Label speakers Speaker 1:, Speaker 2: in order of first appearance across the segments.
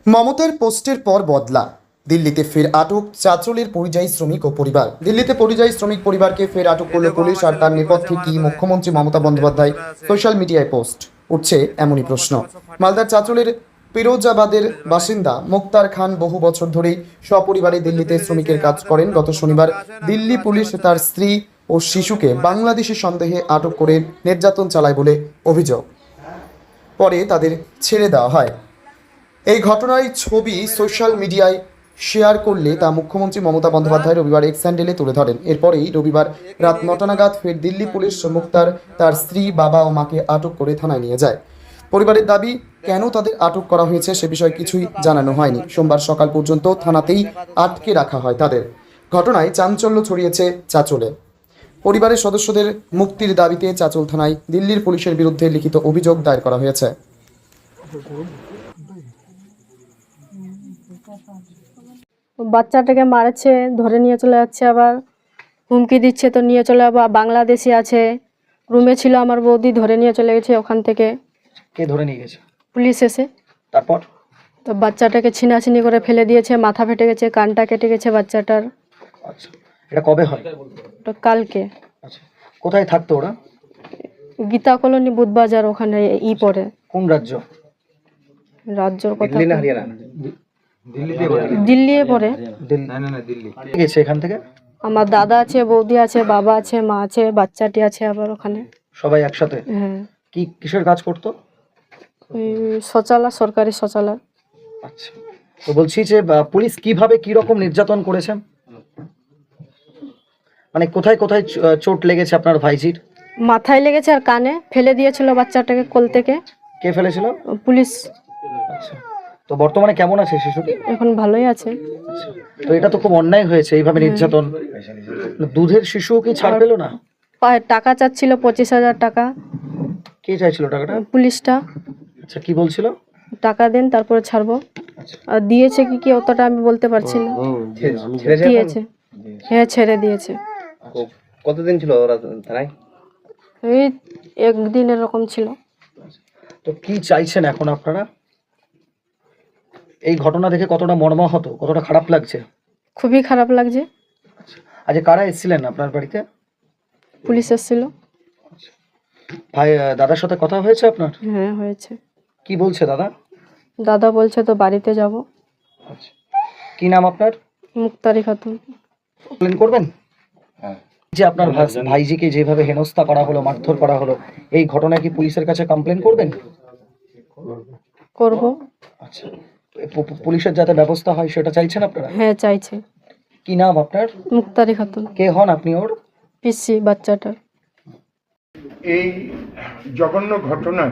Speaker 1: মমতার পোস্টের পর বদলা, দিল্লিতে ফের আটক চাঁচলের পরিযায়ী শ্রমিক ও পরিবার। দিল্লিতে পরিযায়ী শ্রমিক পরিবারকে ফের আটক করল পুলিশ। আর তার নেপথ্যে কি মুখ্যমন্ত্রী মমতা বন্দ্যোপাধ্যায় সোশ্যাল মিডিয়ায় পোস্ট উঠছে এমনই প্রশ্ন। মালদার চাঁচলের পিরোজাবাদের বাসিন্দা মুক্তার খান বহু বছর ধরেই সপরিবারে দিল্লিতে শ্রমিকের কাজ করেন। গত শনিবার দিল্লি পুলিশ তার স্ত্রী ও শিশুকে বাংলাদেশি সন্দেহে আটক করে নির্যাতন চালায় বলে অভিযোগ। পরে তাদের ছেড়ে দেওয়া হয়। এই ঘটনার ছবি সোশ্যাল মিডিয়ায় শেয়ার করলে তা মুখ্যমন্ত্রী মমতা বন্দ্যোপাধ্যায় রবিবার এক্স হ্যান্ডেলে তুলে ধরেন। এরপরেই রবিবার রাত 9টা নাগাদ ফের দিল্লি পুলিশ মুক্তার, তার স্ত্রী, বাবা ও মাকে আটক করে থানায় নিয়ে যায়। পরিবারের দাবি, কেন তাদের আটক করা হয়েছে সে বিষয়ে কিছুই জানানো হয়নি। সোমবার সকাল পর্যন্ত থানাতেই আটকে রাখা হয় তাদের। ঘটনায় চাঞ্চল্য ছড়িয়েছে চাঁচলে। পরিবারের সদস্যদের মুক্তির দাবিতে চাঁচল থানায় দিল্লির পুলিশের বিরুদ্ধে লিখিত অভিযোগ দায়ের করা হয়েছে।
Speaker 2: বাচ্চাটাকে মারছে, ধরে নিয়ে চলে যাচ্ছে, আবার হুমকি দিচ্ছে তো নিয়ে চলে যাবো। বাংলাদেশি আছে, রুমে ছিল আমার বৌদি, ধরে নিয়ে চলে গেছে ওখান থেকে।
Speaker 3: কে ধরে নিয়ে গেছে?
Speaker 2: পুলিশ এসে
Speaker 3: তারপর
Speaker 2: তো বাচ্চাটাকে ছিনাছিনি করে ফেলে দিয়েছে, মাথা ফেটে গেছে, কানটা কেটে গেছে বাচ্চাটার।
Speaker 3: আচ্ছা, এটা কবে হয়?
Speaker 2: ওটা কালকে।
Speaker 3: আচ্ছা, কোথায় থাকতো ওরা?
Speaker 2: গীতা কলোনি, বুধবাজার, ওখানে পড়ে।
Speaker 3: কোন রাজ্য?
Speaker 2: রাজ্যর কথা
Speaker 3: দিল্লি না হরিয়ানা?
Speaker 2: দিল্লি পড়ে।
Speaker 3: দিল্লি গেছে এখান থেকে?
Speaker 2: আমার দাদা আছে, বৌদি আছে, বাবা আছে, মা আছে, বাচ্চাটি আছে আবার ওখানে।
Speaker 3: সবাই একসাথে?
Speaker 2: হ্যাঁ।
Speaker 3: কিসের কাজ করতো?
Speaker 2: ওই শৌচালয়, সরকারি শৌচালয়।
Speaker 3: আচ্ছা, তো বলছি যে পুলিশ কিভাবে কি রকম নির্যাতন করেছে, মানে কোথায় কোথায় চোট লেগেছে আপনার ভাইজির?
Speaker 2: মাথায় লেগেছে আর কানে। ফেলে দিয়েছিল বাচ্চাটাকে কোল থেকে।
Speaker 3: কে ফেলেছিল?
Speaker 2: পুলিশ।
Speaker 3: আচ্ছা, তো বর্তমানে কেমন আছে শিশুটি?
Speaker 2: এখন ভালোই আছে।
Speaker 3: আচ্ছা, তো এটা তো খুব অন্যায় হয়েছে এইভাবে নির্যাতন। দুধের শিশু কি ছাড় পেল না?
Speaker 2: টাকা চাচ্ছিল 25,000 টাকা।
Speaker 3: কে চাইছিল টাকাটা?
Speaker 2: পুলিশটা।
Speaker 3: আচ্ছা, কি বলছিল?
Speaker 2: টাকা দেন তারপরে ছাড়বো। আর দিয়েছে কি কি অতটা আমি বলতে পারছি না। দিয়েছে, হ্যাঁ ছেড়ে দিয়েছে।
Speaker 3: কতদিন ছিল ওরা থানায়?
Speaker 2: এই একদিন এরকম ছিল।
Speaker 3: তো কি চাইছেন এখন আপনারা? এই ঘটনা দেখে কতটা মর্মাহত, কতটা খারাপ লাগছে?
Speaker 2: খুবই খারাপ লাগছে।
Speaker 3: আজ কারা এসেছিলেন আপনার বাড়িতে?
Speaker 2: পুলিশ এসেছিল।
Speaker 3: ভাই, দাদার সাথে কথা হয়েছে আপনার?
Speaker 2: হ্যাঁ হয়েছে।
Speaker 3: কি বলছে দাদা?
Speaker 2: দাদা বলছে তো বাড়িতে যাব।
Speaker 3: আচ্ছা, কি নাম আপনার?
Speaker 2: মুক্তারি খাতুন।
Speaker 3: কমপ্লেন করবেন? যে আপনার ভাইজিকে যেভাবে হেনস্থা করা হলো, মারধর করা হলো, এই ঘটনায় কি পুলিশের কাছে কমপ্লেন করবেন?
Speaker 2: করব।
Speaker 3: আচ্ছা, পুলিশের যাতে ব্যবস্থা হয় সেটা চাইছেন আপনারা?
Speaker 2: হ্যাঁ চাইছে।
Speaker 3: কি নাম আপনার?
Speaker 2: মুক্তারি খাতুন।
Speaker 3: কে হন আপনি ওর?
Speaker 2: পিসি বাচ্চাটার।
Speaker 4: এই জঘন্য ঘটনার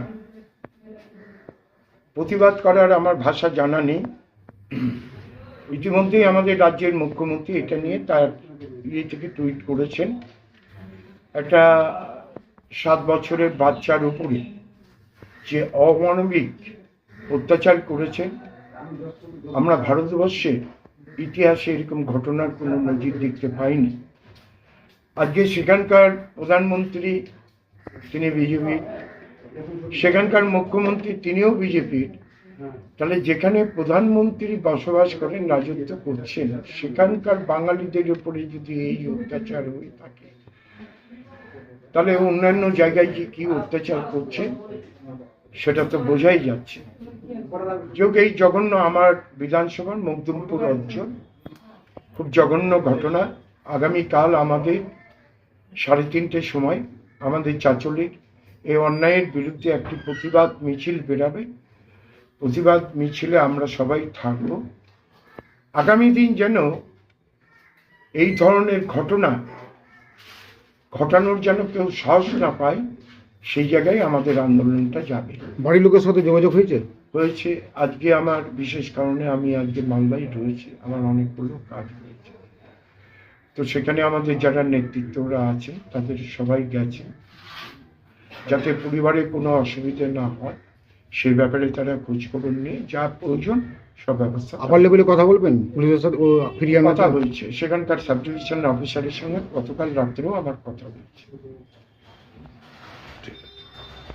Speaker 4: প্রতিবাদ করার আমার ভাষা জানা নেই। ইতিমধ্যেই আমাদের রাজ্যের মুখ্যমন্ত্রী এটা নিয়ে তার থেকে টুইট করেছেন। একটা 7 বছরের বাচ্চার উপরে যে অমানবিক অত্যাচার করেছেন, আমরা ভারতবর্ষে ইতিহাসে এরকম ঘটনার কোনো নজির দেখতে পাইনি। আজকে সেখানকার প্রধানমন্ত্রী তিনি বিজেপি, সেখানকার মুখ্যমন্ত্রী তিনিও বিজেপির। তাহলে যেখানে প্রধানমন্ত্রী বসবাস করেন, রাজত্ব করছেন, সেখানকার বাঙালিদের উপরে যদি এই অত্যাচার হয়ে থাকে, তাহলে অন্যান্য জায়গায় যে কি অত্যাচার করছে সেটা তো বোঝাই যাচ্ছে। যোগ এই জঘন্য আমার বিধানসভার মকদুমপুর অঞ্চল, খুব জঘন্য ঘটনা। আগামীকাল আমাদের 3:30টার সময় আমাদের চাঁচলের এই অন্যায়ের বিরুদ্ধে একটি প্রতিবাদ মিছিল বেরাবে। প্রতিবাদ মিছিলে আমরা সবাই থাকব। আগামী দিন যেন এই ধরনের ঘটনা ঘটানোর যেন কেউ সাহস না পায়, সেই জায়গায় আমাদের আন্দোলনটা যাবে।
Speaker 5: বাড়ির লোকের সাথে যোগাযোগ হয়েছে?
Speaker 4: হয়েছে। আজকে আমার বিশেষ কারণে আমি আজকে মালদায় রয়েছি, আমার অনেকগুলো কাজ রয়েছে। তো সেখানে আমাদের যারা নেতৃত্বরা আছে তাদের সবাই গেছে, যাতে পরিবারে কোনো অসুবিধা না হয় সেই ব্যাপারে তারা খোঁজখবর নিয়ে যা প্রয়োজন সব ব্যবস্থা।
Speaker 5: আপার লেভেলে কথা বলবেন পুলিশের সাথে? ও ফিরিয়ে
Speaker 4: কথা হয়েছে, সেখানকার সাব ডিভিশন অফিসারের সঙ্গে গতকাল রাত্রেও আমার কথা হয়েছে।